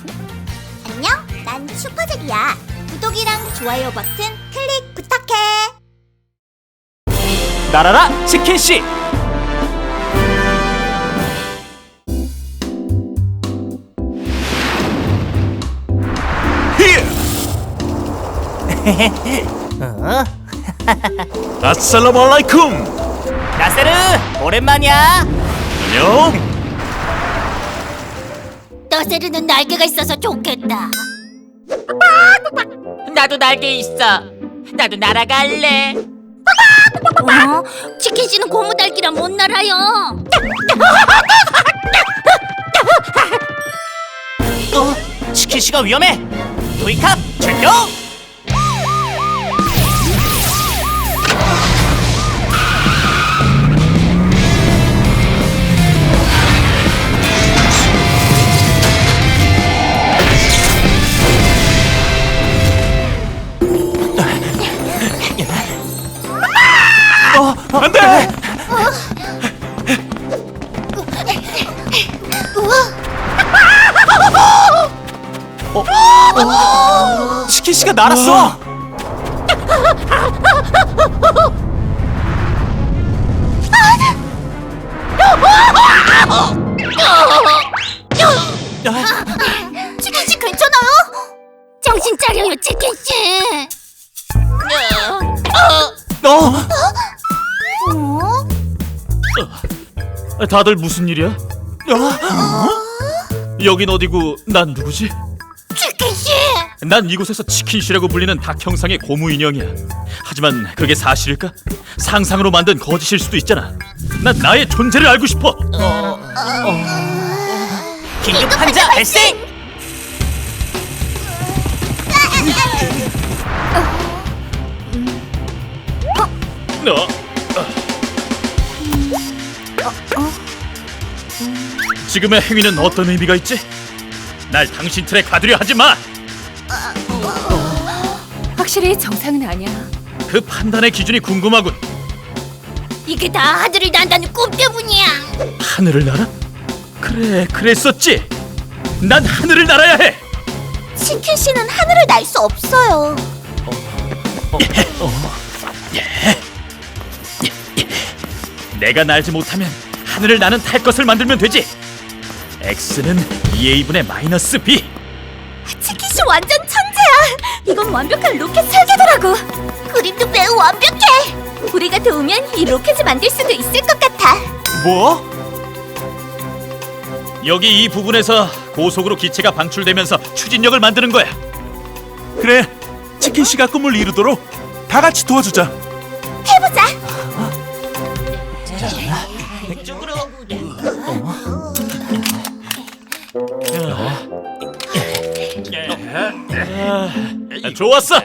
안녕, 난 슈퍼잭이야. 구독이랑 좋아요 버튼 클릭 부탁해. 날아라 치킨씨! 아살라무 알라이쿰! 나세르 오랜만이야. 안녕? 너세르는 날개가 있어서 좋겠다. 나도 날개 있어. 나도 날아갈래. 치킨씨는 고무달기라 못 날아요. 치킨씨가 위험해. 도이캅 출동! 안돼! 치킨씨가 날았어. 치킨씨 괜찮아요? 정신 차려요, 치킨씨. 다들 무슨 일이야? 여긴 어디고 난 누구지? 치킨씨. 난 이곳에서 치킨씨라고 불리는 닭 형상의 고무 인형이야. 하지만 그게 사실일까? 상상으로 만든 거짓일 수도 있잖아. 난 나의 존재를 알고 싶어. 긴급 환자 발생! 지금의 행위는 어떤 의미가 있지? 날 당신 틀에 가두려 하지 마. 확실히 정상은 아니야. 그 판단의 기준이 궁금하군. 이게 다 하늘을 난다는 꿈 때문이야. 하늘을 날아? 그래, 그랬었지. 난 하늘을 날아야 해. 치킨씨는 하늘을 날 수 없어요. 내가 날지 못하면 하늘을 나는 탈 것을 만들면 되지. x는 2a분의 마이너스 b. 치킨씨 완전 천재야. 이건 완벽한 로켓 설계도라고. 그림도 매우 완벽해. 우리가 도우면 이 로켓을 만들 수도 있을 것 같아. 뭐? 여기 이 부분에서 고속으로 기체가 방출되면서 추진력을 만드는 거야. 그래, 치킨씨가 꿈을 이루도록 다 같이 도와주자. 해보자. 이쪽으로. 좋았어.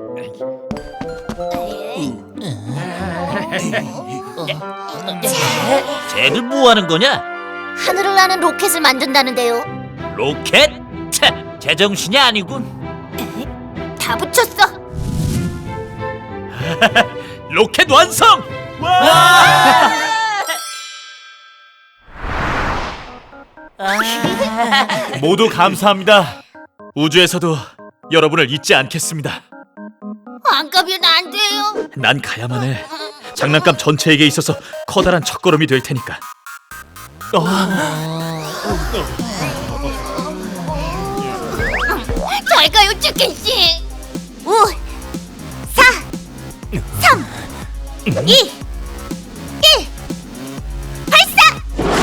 쟤들 뭐 하는 거냐? 하늘을 나는 로켓을 만든다는데요. 로켓? 차, 제정신이 아니군. 다 붙였어. 로켓 완성! 모두 감사합니다. 우주에서도 여러분을 잊지 않겠습니다. 안 가면 안 돼요. 난 가야만 해. 장난감 전체에게 있어서 커다란 첫걸음이 될 테니까. 잘 가요, 치킨씨. 5, 4, 3, 2, 1, 발사!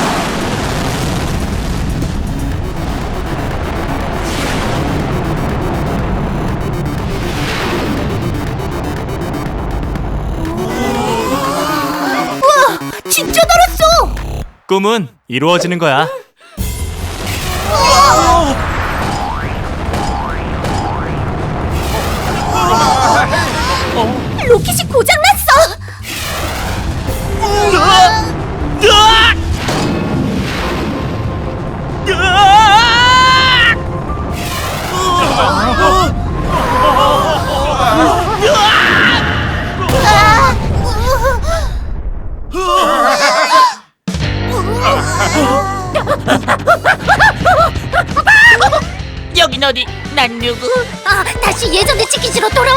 우와, 진짜 날았어! 꿈은 이루어지는 거야. 로켓이 고장났어! 어디? 난 누구? 아, 다시 예전의 치킨씨로 돌아와.